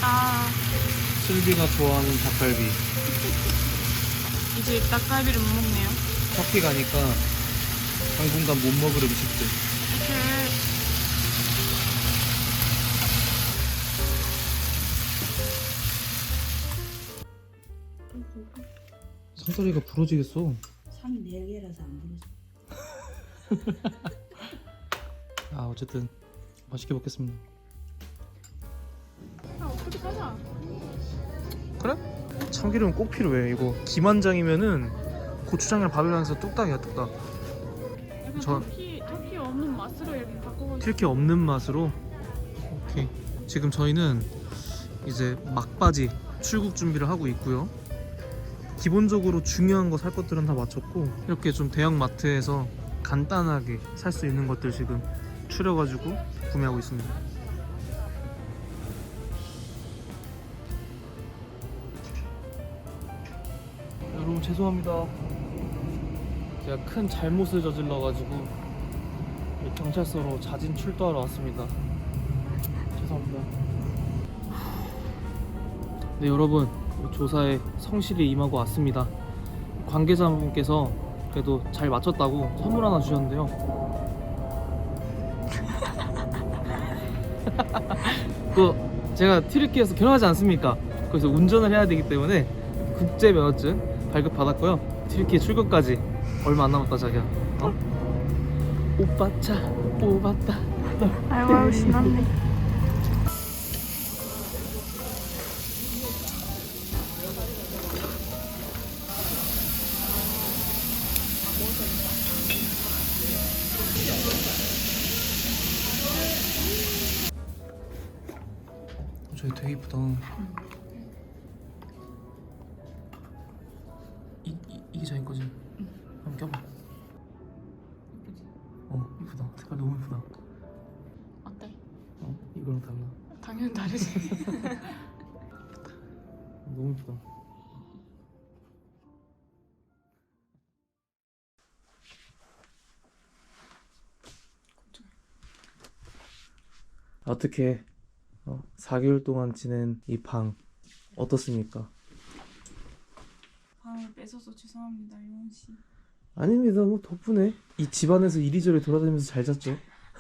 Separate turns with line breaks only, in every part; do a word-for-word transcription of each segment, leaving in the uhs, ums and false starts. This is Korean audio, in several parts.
아,
슬비가 좋아하는 닭갈비.
이제 닭갈비를 못 먹네요.
터키 가니까 당분간 못 먹을 음식들.
이렇게
상다리가 부러지겠어.
삼이 네 개라서 안 부러져.
아 어쨌든 맛있게 먹겠습니다.
아, 어떻게 사자.
그래? 참기름 꼭 필요해. 이거 김한장이면은 고추장이랑 밥이랑 해서 뚝딱이야 뚝딱.
약간
저-
터키, 터키 없는 맛으로 이렇게 바꿔가지고.
튀르키 없는 맛으로. 오케이. 지금 저희는 이제 막바지 출국 준비를 하고 있고요. 기본적으로 중요한 거 살 것들은 다 마쳤고, 이렇게 좀 대형 마트에서 간단하게 살 수 있는 것들 지금 추려가지고 구매하고 있습니다. 여러분 죄송합니다. 제가 큰 잘못을 저질러가지고 경찰서로 자진 출두하러 왔습니다. 죄송합니다. 네 여러분, 조사에 성실히 임하고 왔습니다. 관계자분께서 그래도 잘 맞췄다고 선물 하나 주셨는데요. 그 제가 튀르키예에서 결혼하지 않습니까? 그래서 운전을 해야 되기 때문에 국제 면허증 발급 받았고요. 튀르키예 출국까지 얼마 안 남았다 자기야. 어? 오빠 차 뽑았다.
아이고, 신났네.
저기 되게 이쁘다. 이, 이, 이게 자기 거지? 응. 한번 껴봐. 어 이쁘다. 색깔 너무 이쁘다.
어때?
어 이거랑 달라.
당연히 다르지.
너무 이쁘다. 어떻게 어, 사 개월 동안 지낸 이 방 어떻습니까?
방을 뺏어서 죄송합니다, 유원 씨.
아닙니다. 뭐 덕분에 이 집안에서 이리저리 돌아다니면서 잘 잤죠.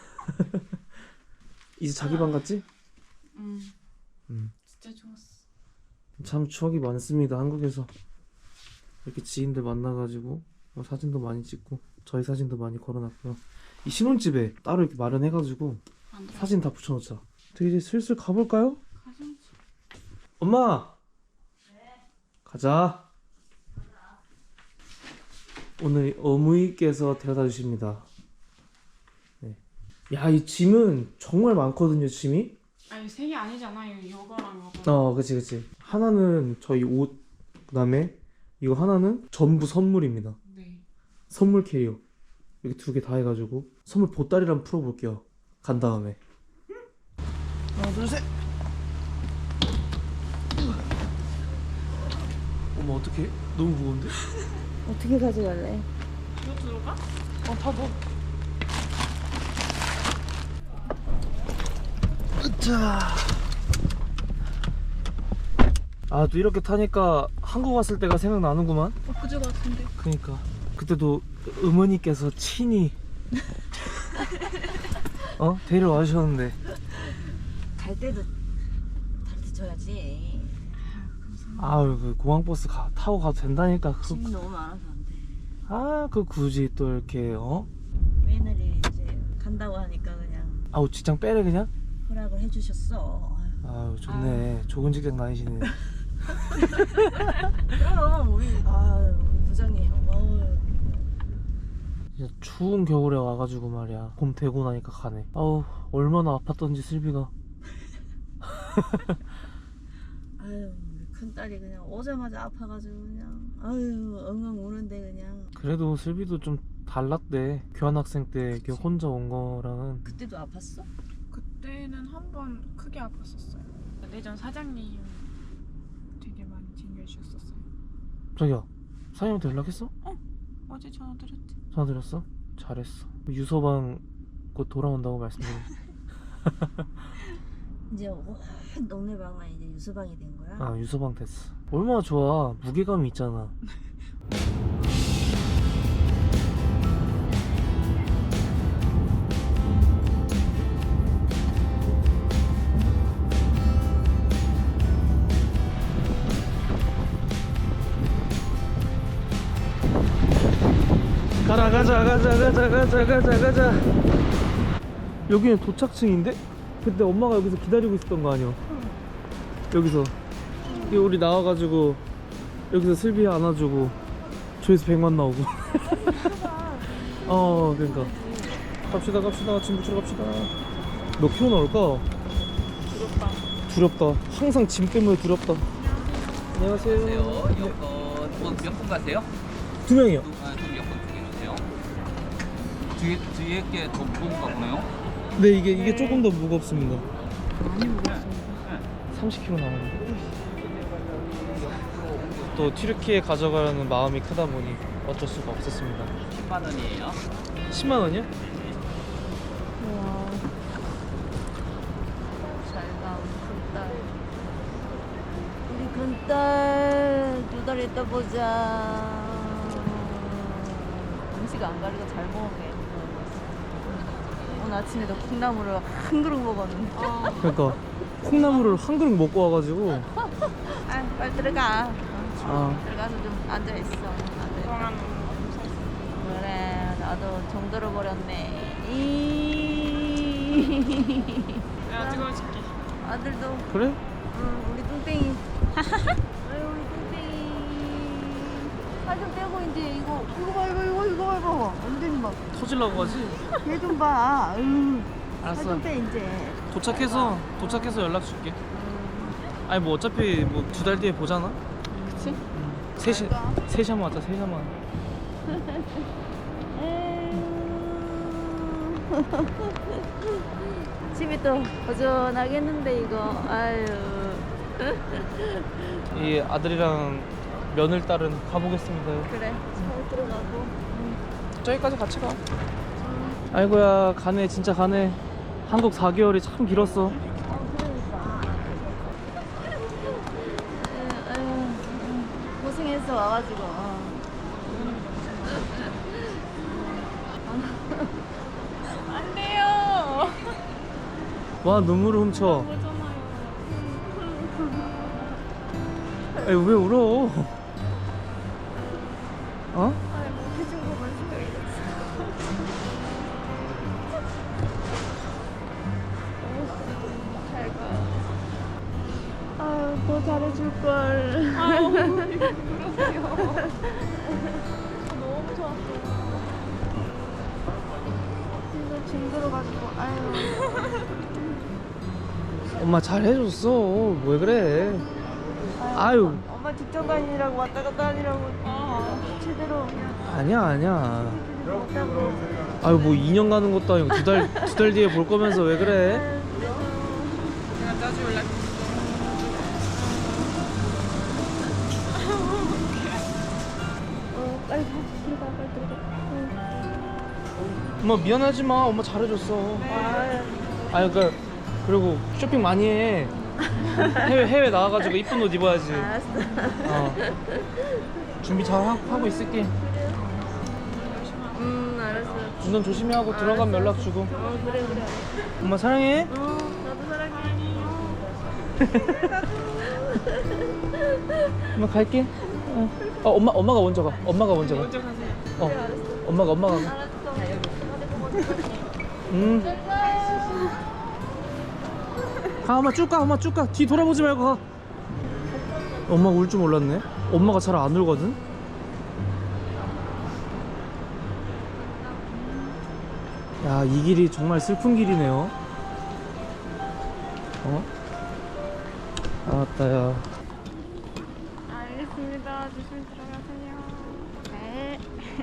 이제 자기 방 같지?
음,
음.
진짜 좋았어.
참 추억이 많습니다. 한국에서 이렇게 지인들 만나가지고 뭐 사진도 많이 찍고 저희 사진도 많이 걸어놨고요. 이 신혼집에 따로 이렇게 마련해가지고
안 들어.
사진 다 붙여놓자. 저 이제 슬슬 가볼까요?
가져오지.
엄마! 가자. 오늘 어머니께서 데려다 주십니다. 네. 야, 이 짐은 정말 많거든요, 짐이.
아니, 세 개 아니잖아요. 이거랑 이거.
어, 그치, 그치. 하나는 저희 옷, 그 다음에 이거 하나는 전부 선물입니다.
네.
선물 캐리어. 이렇게 두 개 다 해가지고 선물 보따리를 한번 풀어볼게요. 간 다음에. 하나, 둘, 셋! 어머, 어떡해? 너무 무거운데?
어떻게 가져갈래?
이거 들어가?
어, 다 넣어. 으짜. 아, 또 이렇게 타니까 한국 왔을 때가 생각나는구만.
어, 그저 같은데.
그니까 그때도 어머니께서 친히 어? 데리러 와주셨는데.
갈 때도 다리 쳐야지.
아유, 그 공항버스 가, 타고 가도 된다니까. 그,
짐이 너무 많아서 안 돼.
아, 그 굳이 또 이렇게 어?
며느리 이제 간다고 하니까 그냥
아우, 직장 빼래 그냥?
허락을 해주셨어.
아유, 좋네. 좋은 직장 다니시네.
그럼 우리 아유 우리 부장님 어우
진짜 추운 겨울에 와가지고 말이야. 봄 되고 나니까 가네. 아우, 얼마나 아팠던지 슬비가.
아유 우리 큰딸이 그냥 오자마자 아파가지고 그냥 아유 엉엉 우는데 그냥
그래도 슬비도 좀 달랐대. 교환학생 때 이렇게 혼자 온 거랑은.
그때도 아팠어?
그때는 한 번 크게 아팠었어요. 내전 사장님 되게 많이 챙겨주셨었어요.
자기야, 사장님한테 연락했어?
어제 전화 드렸지.
전화 드렸어? 잘했어. 유서방 곧 돌아온다고 말씀드렸어.
이제 온 동네방만 이제 유서방이 된 거야.
아 유서방 됐어. 얼마나 좋아. 무게감이 있잖아. 가라 가자 가자 가자 가자 가자 가자. 여기는 도착층인데? 그때 엄마가 여기서 기다리고 있었던 거 아니야? 여기서 여기 우리 나와가지고 여기서 슬비 안아주고 조회수 백만 나오고. 어 그러니까 갑시다 갑시다 짐 붙이러 갑시다. 몇 킬로 나올까?
두렵다.
두렵다. 항상 짐 때문에 두렵다. 안녕하세요.
안녕하세요. 여권 몇 분 가세요?
두 명이요.
두, 아, 좀 여권 두 개 주세요. 뒤에 뒤에 게 더 무거운가 보네요.
네 이게 이게 조금 더 무겁습니다.
많이 먹었습니다.
삼십 킬로 나오는데. 또 튀르키예 가져가려는 마음이 크다 보니 어쩔 수가 없었습니다.
십만 원이에요.
십만 원이요?
우와. 잘가 큰딸. 우리 큰딸 두 달 있다 보자. 음식 안 가리고 잘 먹었네. 오늘 아침에도 콩나물을 한 그릇 먹었는데.
그러니까 콩나물을 한 그릇 먹고 와가지고.
아, 빨리 들어가.
아
들어가서 좀 앉아 있어.
그동안
그래, 나도 정들어 버렸네. 이.
내가 찍어줄게.
아들도,
그래?
응, 우리 뚱땡이. 아유, 우리 뚱땡이. 살 좀 빼고 이제 이거, 이거 봐, 이거, 이거, 이거 봐, 이거 봐. 완전히 막,
터질라고 하지?
얘 좀 봐. 아유.
알았어.
살 좀 빼 이제.
도착해서 도착해서 연락 줄게. 아니 뭐 어차피 뭐 두 달 뒤에 보잖아.
그치?
셋이 셋이 한번 왔다. 셋이 한번.
집이 또 허전하겠는데 이거. 아유.
이 아들이랑 며느리 딸은 가보겠습니다.
그래, 잘 들어가고.
저기까지 같이 가. 아이고야 가네 진짜 가네. 한국 사 개월이 참 길었어.
어, 그러니까. 아유, 아유, 고생했어 와가지고. 어.
안 돼요.
와 눈물을 훔쳐.
그러잖아요.
아니 왜 울어? 어?
아니 뭐 해준 것만 생각이 잘 가.
아유, 더 잘해줄 걸.
아우 그러세요. 너무 좋았어요.
진짜 징그러가지고. 아유.
엄마 잘 해줬어. 왜 그래? 아유
엄마 직접 다니라고 왔다 갔다 하니라고
아
제대로
아니야 아니야.
못하고.
아유 뭐 이 년 가는 것도 아니고 두 달 두 달 뒤에 볼 거면서 왜 그래?
내가 자주 연락.
어, 빨리 가. 들어가, 빨리 들어가.
엄마 미안하지 마. 엄마 잘해줬어.
아유.
아유 그 그리고 쇼핑 많이 해. 해외 해외 나와가지고 이쁜 옷 입어야지.
알았어.
어. 준비 잘 하, 하고 있을게.
음, 알았어.
운전 조심히 하고 들어가면 연락 주고.
어, 그래, 그래.
엄마 사랑해.
어, 나도 사랑해.
엄마 갈게. 어. 어 엄마 엄마가 먼저 가. 엄마가 먼저 가.
먼저 가세요.
어. 엄마가 엄마가 가.
알았어.
음. 가 엄마 쭉 가. 엄마 쭉 가. 뒤 돌아보지 말고 가. 엄마가 울 줄 몰랐네. 엄마가 잘 안 울거든. 야, 이 길이 정말 슬픈 길이네요. 어? 아따 야.
알겠습니다. 조심히 들어가세요.
네.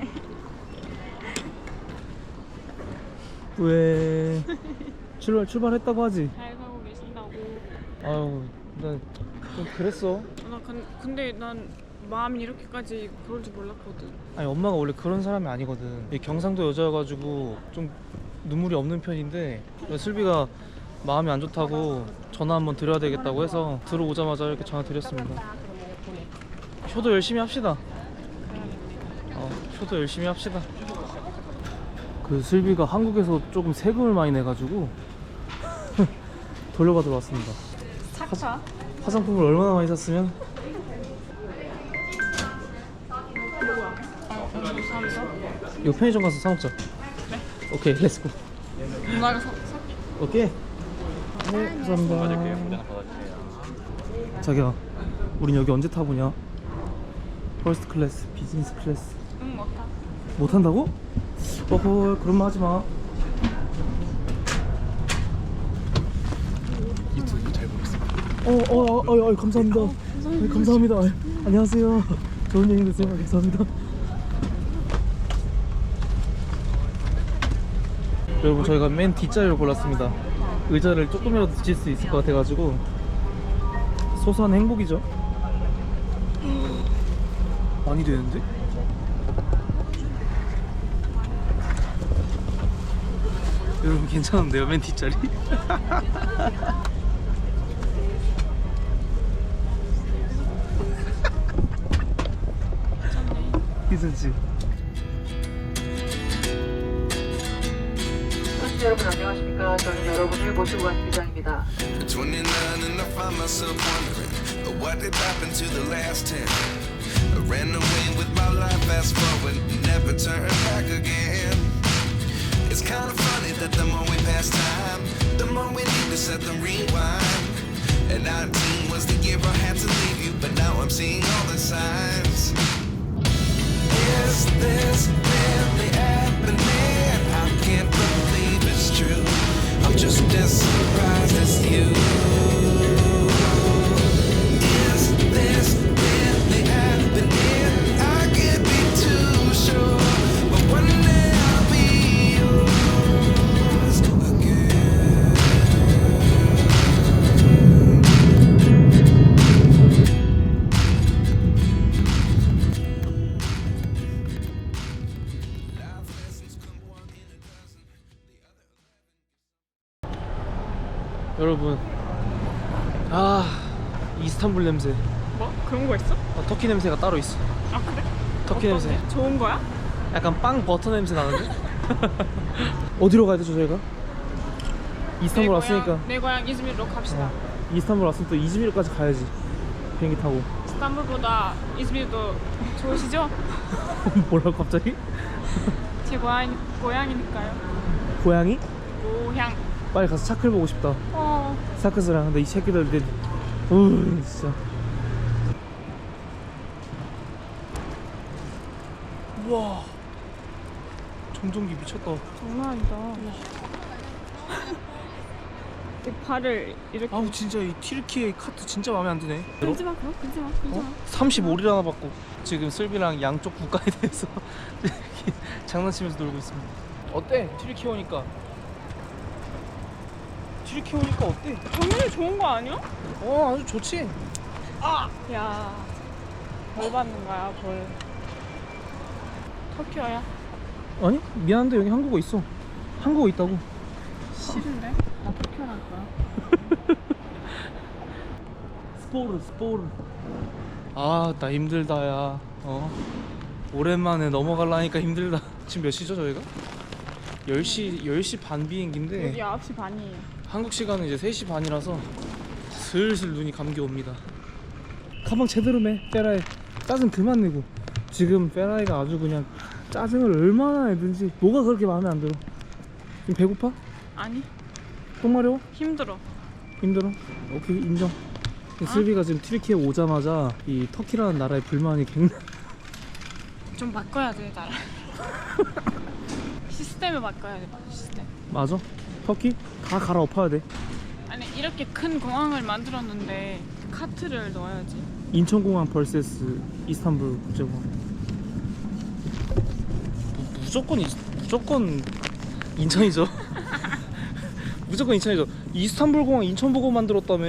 왜 출발 출발했다고 하지?
잘 가고 계신다고.
아유, 난 좀 그랬어.
나 근, 근데 난 마음이 이렇게까지 그럴 줄 몰랐거든.
아니 엄마가 원래 그런 사람이 아니거든. 이 경상도 여자여가지고 좀 눈물이 없는 편인데 슬비가 마음이 안 좋다고 전화 한번 드려야 되겠다고 해서 들어오자마자 이렇게 전화 드렸습니다. 효도 열심히 합시다. 어, 효도 열심히 합시다. 그 슬비가 한국에서 조금 세금을 많이 내가지고 돌려받으러 왔습니다.
착차.
화장품을 얼마나 많이 샀으면? 이거 편의점 가서 사 먹자.
그래.
오케이, 렛츠고.
누나가 사, 사.
오케이. 네, 감사합니다. 자기야, 우린 여기 언제 타보냐? 퍼스트 클래스, 비즈니스 클래스.
응, 못 타.
못 탄다고? 어허, 그런 말 하지 마.
유튜브 잘 보겠습니다.
어, 어, 어, 어, 어 감사합니다. 네, 감사합니다. 아, 안녕하세요. 좋은 여행 되세요. 감사합니다. 여러분, 저희가 맨 뒷자리를 골랐습니다. 의자를 조금이라도 뒤질 수 있을 것 같아가지고 소소한 행복이죠. 많이 되는데? 여러분 괜찮은데요? 맨 뒷자리? 괜찮지?
여러분 안녕하십니까. 저는 여러분을 모시고 간 기장입니다.
twenty-nine and I find myself wondering what did happen to the last ten. I ran away with my life, fast forward, never turn back again. It's kind of funny that the more we pass time, the more we need to set them rewind. And nineteen was the year I had to leave you, but now I'm seeing all the signs. Is this really happening? I can't believe it's true. I'm just as surprised as you. Is this really happening? I can't be too sure, but one day I'll be yours again. Life lessons come one in a dozen.
여러분, 아, 이스탄불 냄새.
뭐? 그런 거 있어?
아, 터키 냄새가 따로 있어.
아, 그래?
터키
어떤데?
냄새.
좋은 거야?
약간 빵 버터 냄새 나는데? 어디로 가야 되죠 저희가? 이스탄불
내
왔으니까.
고향, 내 고향 이즈미르로 갑시다.
어, 이스탄불 왔으면 또 이즈미르까지 가야지. 비행기 타고.
이스탄불보다 이즈미르도 좋으시죠?
뭐라고 갑자기?
제 고향, 고향이니까요.
고양이?
고향.
빨리 가서 차클 보고 싶다.
어.
사크스랑. 근데 이 새끼들 내 우 진짜. 우와, 정전기 미쳤다.
장난 아니다. 이 발을 이렇게.
아우 진짜 이 튀르키예 카트 진짜 마음에 안 드네.
끊지 마, 그거 끊지 마, 끊지 마.
어? 삼십오 리라나 받고 지금 슬비랑 양쪽 국가에 대해서 장난치면서 놀고 있습니다. 어때? 튀르키예 오니까. 튀르키예 오니까 어때?
당연히 좋은 거 아니야?
어, 아주 좋지.
아! 야, 벌 받는 거야, 벌. 터키어야?
아니 미안한데 여기 한국어 있어. 한국어 있다고.
싫은데? 나 터키어랄 거야.
스포르 스포르. 아, 나 힘들다 야. 어, 오랜만에 넘어가려니까 힘들다. 지금 몇 시죠 저희가? 열 시 열 시 반 비행기인데
여기 아홉 시 반이에요.
한국 시간은 이제 세 시 반이라서 슬슬 눈이 감겨옵니다. 가방 제대로 매 페라이. 짜증 그만 내고. 지금 페라이가 아주 그냥 짜증을 얼마나 내든지. 뭐가 그렇게 마음에 안 들어? 지금 배고파?
아니,
똥 마려워?
힘들어.
힘들어? 오케이, 인정. 슬비가 지금 튀르키예 오자마자 이 터키라는 나라의 불만이 굉장히
좀 바꿔야 돼, 나라. 시스템을 바꿔야 돼, 시스템.
맞아? 터키? 다 갈아엎어야 돼.
아니, 이렇게 큰 공항을 만들었는데 카트를 넣어야지.
인천공항 vs 이스탄불 국제공항. 무, 무조건 이, 무조건 인천이죠. 무조건 인천이죠. 이스탄불 공항 인천 보고 만들었다며.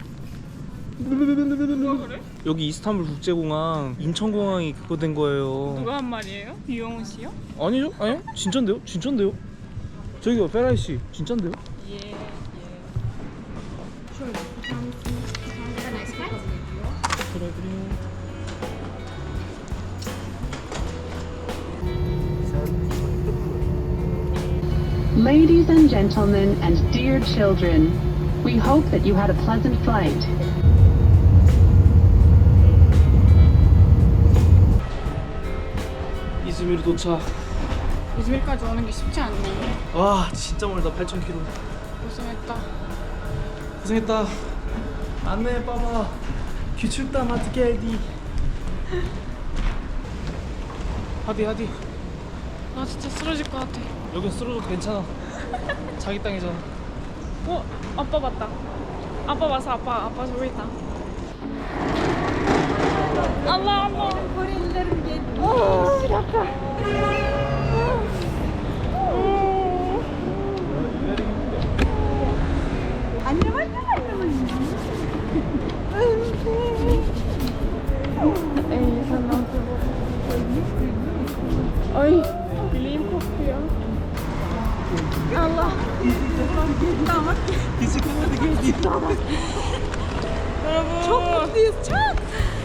누가 그래?
여기 이스탄불 국제공항 인천공항이 그거 된 거예요.
누가 한 말이에요? 유영훈 씨요?
아니죠? 아니요? 진짠데요? 진짠데요? 저기요 페라이 씨 진짠데요?
예, 예.
그래 그래.
Ladies and gentlemen and dear children, we hope that you had a pleasant flight.
이즈미르 도착.
이즈밀까지 오는 게 쉽지 않네.
와 진짜 멀다. 팔천 킬로미터.
고생했다.
고생했다. 안내 봐봐. küçükten hadi geldi. 하디 하디.
나 진짜 쓰러질 것 같아.
여긴 쓰러져도 괜찮아. 자기 땅이잖아.
어? 아빠 봤다. 아빠 봤어. 아빠. 아빠 저기 있다. Allah Allah.
Korelilerim geldi. Oh, bir dakika. Annem annem annem annem.
Ey sen nasıl bu? Ay bileğim kokuyor. Allah. Damat.
Bisiklet geldi.
Bravo.
Çok mutluyuz çok.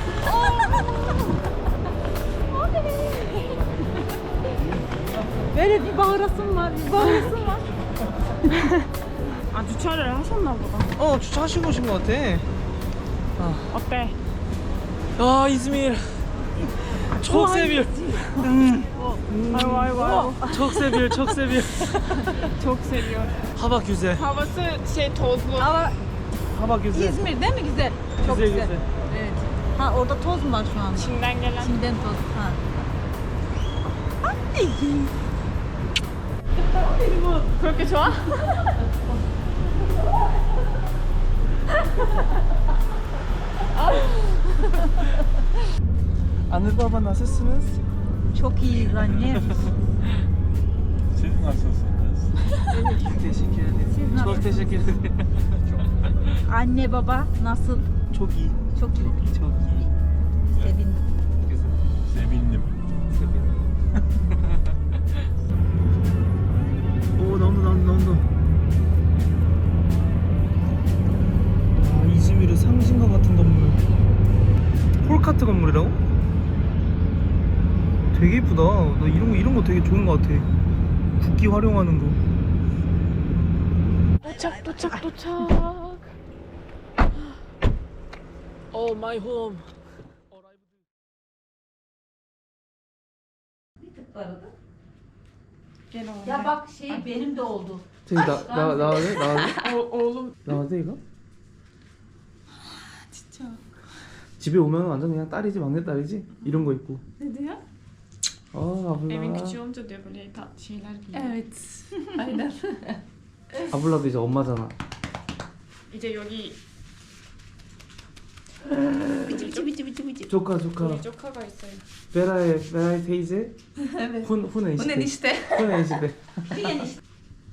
Böyle bir bağırasım var, bir bağırasım var.
아 주차를 하셨나 보다.
어 주차하시고 오신 것 같아.
어때?
아 이즈미르. Çok seviyor.
아이고 아이고 아이고.
Çok seviyor, çok seviyor.
Çok seviyor.
Hava güzel.
Havası şey tozlu.
Ama
Hava güzel.
İzmir değil mi güzel? Çok
güzel,
güzel.
güzel.
Evet. Ha orada toz mu var şu an?
Çin'den gelen.
Çin'den toz. Ha.
그렇게 좋아?
Anne baba nasılsınız?
Çok iyiyiz anne.
Siz nasılsınız?
Teşekkür ederim.
Siz nasıl?
Çok teşekkür ederim.
Anne baba nasıl?
Çok iyi.
Çok iyi.
Çok iyi.
Sevindim.
Güzel.
Sevindim.
오 나온다 나온다 나온다. 아 이즈미르 상징과 같은 건물. 폴카트 건물이라고? 되게 이쁘다. 나 이런 거 이런 거 되게 좋은 거 같아. 국기 활용하는 거.
도착 도착 도착.
오 마이 홈.
Ya bak şey benim de oldu.
저기 나나 나와돼 나와돼
어, 오름.
나와돼 이거?
진짜.
집에 오면 완전 그냥 딸이지 막내 딸이지 이런 거 입고.
Ne diyor?
아
Evin
아블라.
küçüğü olunca diyor böyle tat şeyler giyiyor.
Evet. Aynen.
아블라도 이제 엄마잖아.
이제 여기
Bici bici bici bici bici.
조카 조카.
우리 조카가 있어요.
베라의 베라의 테이제.
Evet.
훈 훈의
Bu ne
시대.
işte?
훈의 시대.
Diyen işte.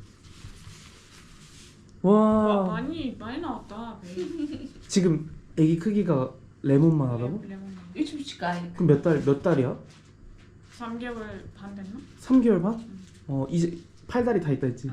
와,
와
많이 많이 나왔다. 배.
지금 애기 크기가 레몬만 하다고?
레몬.
Üç buçuk aylık.
그럼 몇 달 몇 달이야?
삼 개월 반 됐나?
삼 개월 반? 어 이제 팔다리 다 있다 했지.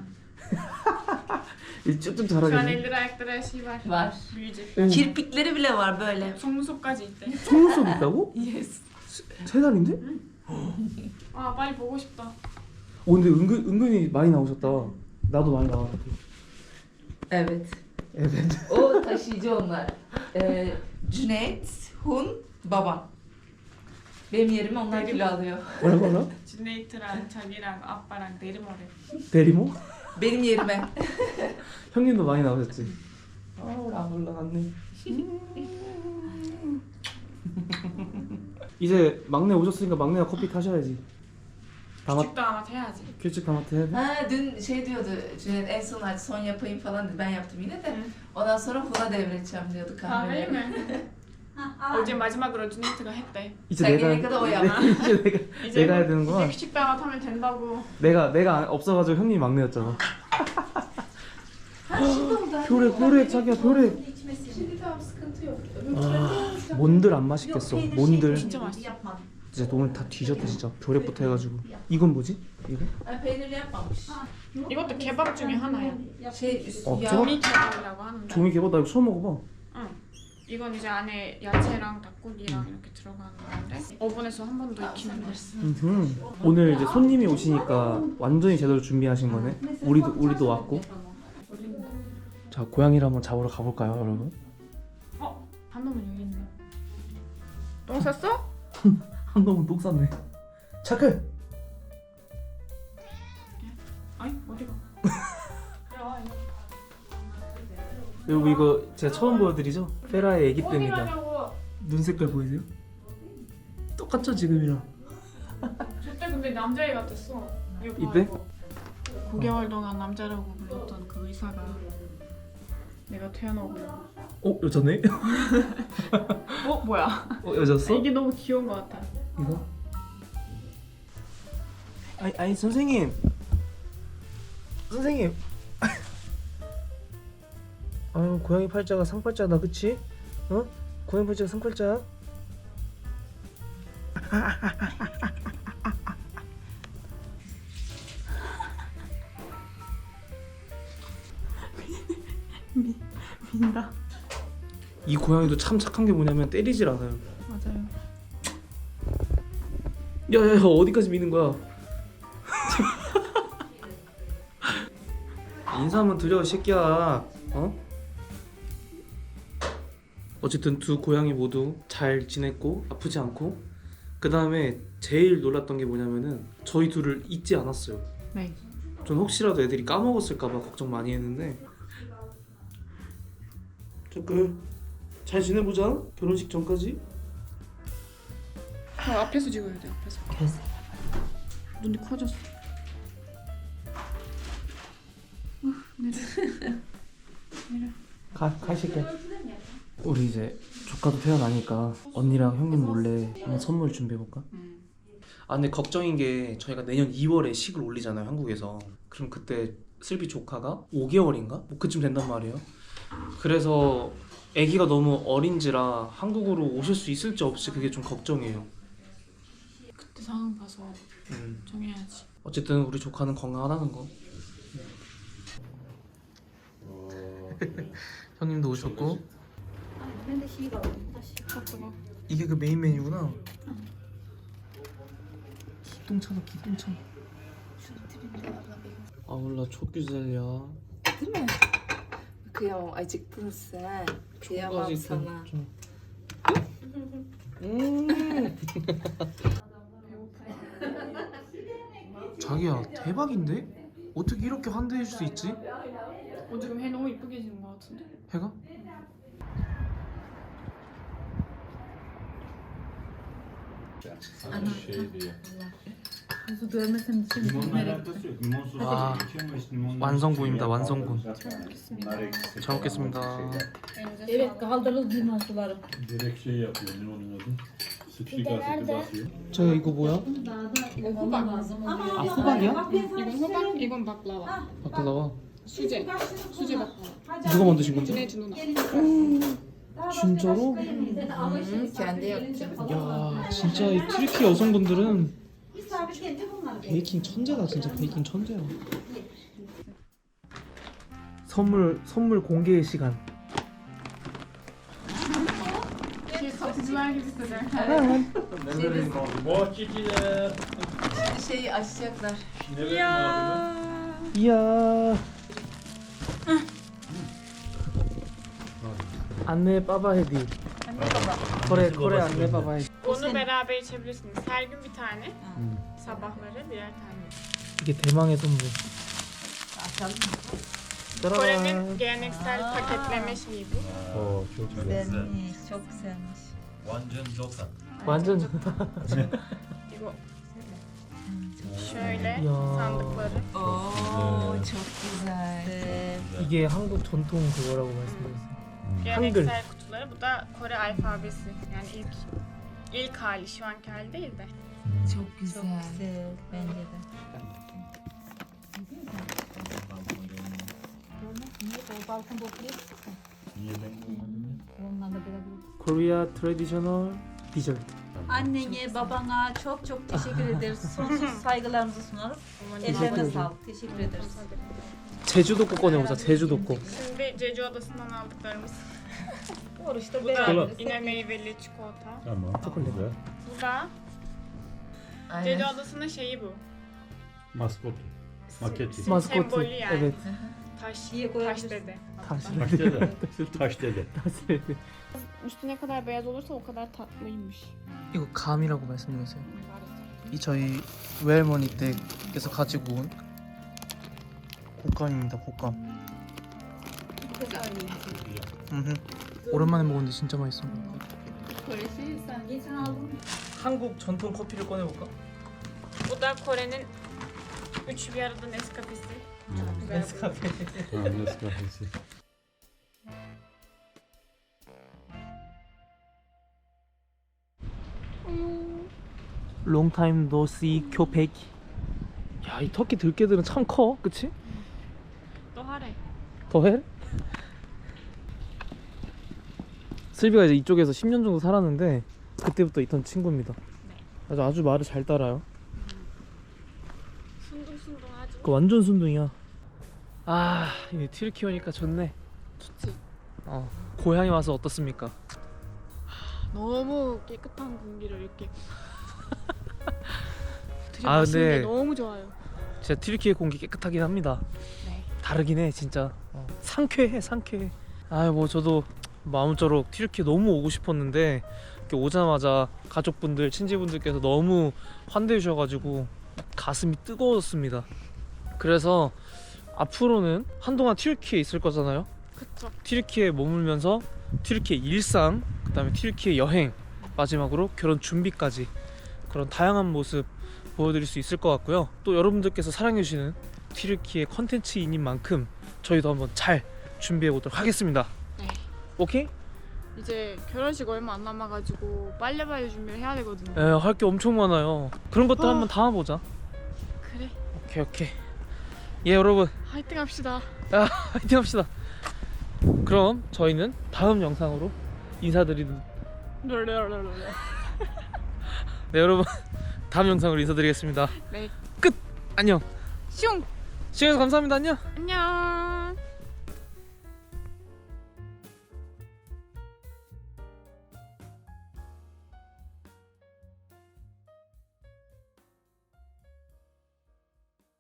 이제 쭉쭉
Şu an
자라겠네.
elleri ayakları her şey var.
Var.
Büyüyecek.
Kirpikleri bile var böyle.
속눈썹까지 있대.
속눈썹 있다고?
Yes.
세 달인데?
아 빨리 보고 싶다.
오 근데 은근 은근히 많이 나오셨다. 나도 많이 나왔는데.
Evet.
Evet.
O taşıyıcı onlar. Ee, Cüneyt, Hun, babam. Benim yerime onlar kilo alıyor.
뭐라고 하나?
진네이트랑 자기랑 아빠랑 내리모래.
대리모?
Benim yerime.
형님도 많이 나오셨지? 아 우리 안 올라갔네. 이제 막내 오셨으니까 막내가 커피 타셔야지. 다mat
küçük damat 해야지.
küçük damat 해야 돼?
Ha dün şey diyordu Cüneyt en son hadi son yapayım falan dedi. Ben yaptım yine de. Ondan sonra Hun'a devredeceğim diyordu
kahveyi
kahveleri.
mi? 어제 마지막으로 준네이트가 했대.
이제
자기네
내가
거다 오야.
이제 내가
이제
내가 해야
이제
되는구나.
küçük damat 하면 된다고.
내가 내가 없어가지고 형님 막내였잖아.
Ha şimdi oldu.
벼렉 벼렉 자기야 벼렉.
Şimdi tamam sıkıntı yok.
아 몬들 안 맛있겠어. 몬들
진짜 맛있어.
Yapmadım.
진짜 오늘 다 뒤졌다 진짜. 벼렉부터 해가지고. 이건 뭐지? 이거?
아, peynirli yapmamış.
이것도 개밥 중에 하나야.
Şey üst,
어,
yağ.
제가
종이 개밥이라고 하는데.
종이 개밥 나 이거 처음 먹어봐.
응. 이건 이제 안에 야채랑 닭고기랑 이렇게 들어가는 건데 오븐에서 한 번 더 익히는 거야.
음흠. 오늘 이제 손님이 오시니까 완전히 제대로 준비하신 거네. 우리도 우리도 왔고. 자, 고양이를 한번 잡으러 가볼까요, 여러분?
어? 한 놈은 여기 있네. 똥 쌌어?
한 놈은 똥 쌌네. 차크.
아니 어디가?
여러분 이거 제가 처음 보여드리죠? 페라의 애기
어디
때입니다.
가냐고.
눈 색깔 보이세요? 똑같죠 지금이랑.
저때 근데 남자애 같았어. 이거 봐,
이때?
이거. 구 개월 동안 남자라고 불렀던 그 의사가 내가 태어나고
어 여자네?
어? 뭐야?
어 여자였어?
이게 너무 귀여운 것 같아.
이거? 아니 아니 선생님. 선생님. 아유 고양이 팔자가 상팔자다 그치? 어? 고양이 팔자가 상팔자야?
민다.
이 고양이도 참 착한 게 뭐냐면 때리질 않아요.
맞아요.
야야야 어디까지 미는 거야? 인사 한번 드려 이 새끼야. 어? 어쨌든 두 고양이 모두 잘 지냈고 아프지 않고 그 다음에 제일 놀랐던 게 뭐냐면은 저희 둘을 잊지 않았어요.
네.
전 혹시라도 애들이 까먹었을까봐 걱정 많이 했는데 잠깐 잘 지내보자 결혼식 전까지.
그 앞에서 찍어야 돼. 앞에서. 눈이 커졌어. 어, 내려. 내려.
가, 가실게. 우리 이제 조카도 태어나니까 언니랑 형님 몰래 한번 선물 준비해볼까?
음.
아 근데 걱정인 게 저희가 내년 이월에 식을 올리잖아요 한국에서. 그럼 그때 슬비 조카가 오 개월인가? 뭐 그쯤 된단 말이에요. 그래서 아기가 너무 어린지라 한국으로 오실 수 있을지 없을지 그게 좀 걱정이에요.
그때 상황 봐서
음.
정해야지.
어쨌든 우리 조카는 건강하다는 거. 형님도 오셨고. 이게 그 메인 메뉴구나. 기똥차다 기똥차. 아 몰라 çok güzel ya.
Değil mi? Kıyamam, acıktın sen. Kıyamam sana.
음. 자기야 대박인데? 어떻게 이렇게 환대해줄 수 있지?
어, 지금 해 너무 이쁘게 지는 것 같은데?
해가?
Şey diye.
Kuzu görmesem için
Limonla alakası yok. Limon sosu
아,
içiyor ama işte limonla
완성본입니다, 완성본.
Bunlar eksik.
잘 먹겠습니다.
Evet, kaldırıldı limon suları.
Direkt şey yapıyor limonun adı. Sıçrik asidi basıyor.
저 이거 뭐야?
호박.
아 호박이야?
이건 호박, 이건 바클라와.
바클라와.
수제. 수제 바클라와.
누가 만드신 건데?
준혜지 누나.
진짜로?
Kendi yapacağım.
야 진짜 이 튀르키 여성분들은 베이킹 천재다 진짜 베이킹 천재야. 선물 선물 공개의 시간.
Satıcılar gibi hisseder.
Bohçacılar.
Şimdi şeyi açacaklar.
Ne verin abi?
이야. 안내 빠바 헤디. kore kore anne baba 헤디.
Onu beraber içebilirsiniz. Her gün bir tane. Sabahları birer tane.
이게 대망의 선물.
Kore'nin geleneksel paketleme şeyi bu.
Oo çok güzel.
Güzelmiş, çok güzelmiş.
완전 조사.
완전
이거 şöyle
Ya.
sandıkları.
Oo, çok güzel.
이게 한국 전통 그거라고 말씀드렸어요.
Geleneksel kutuları. Bu da Kore alfabesi. Yani ilk ilk hali, şu anki hali değil de.
Çok güzel. Çok güzel, bence de. Balkon toplayıp
Niye ben olmadım ya?
onlarla beraber.
Korea traditional dessert.
Annene, babana çok çok teşekkür ederiz. Sonsuz saygılarımızı sunarız. Ellerine sağlık. Teşekkür ederiz.
제주도 거 꺼내보자. 제주도 거.
Şimdi Jeju Adası'ndan aldıklarımız.
Oruçta
Bu da
beraber.
yine meyveli çikolata.
Tamam. Güzel.
Bu da Jeju Adası'nın şeyi bu.
Maskotu. Maketi.
마스코트.
Sembolü yani.
Evet.
Taş,
İyi
taş
koyabilirsin.
dede.
다시.
Taş dede. Taş dede.
Üstü ne kadar beyaz olursa o kadar tatlıymış.
이거 감이라고 말씀드렸어요. 이 저희 외할머니 때께서 가지고 온 곶감입니다. 곶감. 음흠. 오랜만에 먹었는데 진짜 맛있어. 한국 전통 커피를 꺼내볼까?
Bu da Kore'nin üç bir arada Nescafe'si. Çok güzel.
네스카페.
Ha, Nescafe'si.
롱타임 노시 교백. 야, 이 터키 들깨들은 참 커, 그치?
또 하래.
더해? 슬비가 이제 이쪽에서 십 년 정도 살았는데 그때부터 있던 친구입니다. 아주 아주 말을 잘 따라요.
순둥순둥하지.
그 완전 순둥이야. 아, 이 튀르키 오니까 좋네.
좋지.
어, 고향에 와서 어떻습니까?
너무 깨끗한 공기를 이렇게
아,
들이마시는 게
근데
너무 좋아요.
진짜 튀르키의 공기 깨끗하긴 합니다.
네.
다르긴 해, 진짜. 어, 상쾌해, 상쾌해. 아유, 뭐 저도 마음처럼 튀르키 너무 오고 싶었는데 이렇게 오자마자 가족분들, 친지분들께서 너무 환대해 주셔가지고 가슴이 뜨거워졌습니다. 그래서 앞으로는 한동안 튀르키에 있을 거잖아요.
그쵸.
튀르키에 머물면서 튀르키의 일상, 그 다음에 튀르키의 여행, 마지막으로 결혼 준비까지 그런 다양한 모습 보여드릴 수 있을 것 같고요. 또 여러분들께서 사랑해주시는 튀르키의 컨텐츠인인 만큼 저희도 한번 잘 준비해 보도록 하겠습니다.
네.
오케이?
이제 결혼식 얼마 안 남아가지고 빨리빨리 준비를 해야 되거든요.
에, 할 게 엄청 많아요. 그런 것들
어.
한번 담아보자.
그래.
오케이, 오케이. 예, 여러분,
화이팅 합시다.
아, 화이팅 합시다. 그럼 저희는 다음 영상으로 인사드리는
롤롤롤롤.
네, 여러분, 다음 영상으로 인사드리겠습니다.
네.
끝! 안녕.
슝.
시청해주셔서 감사합니다. 안녕.
안녕.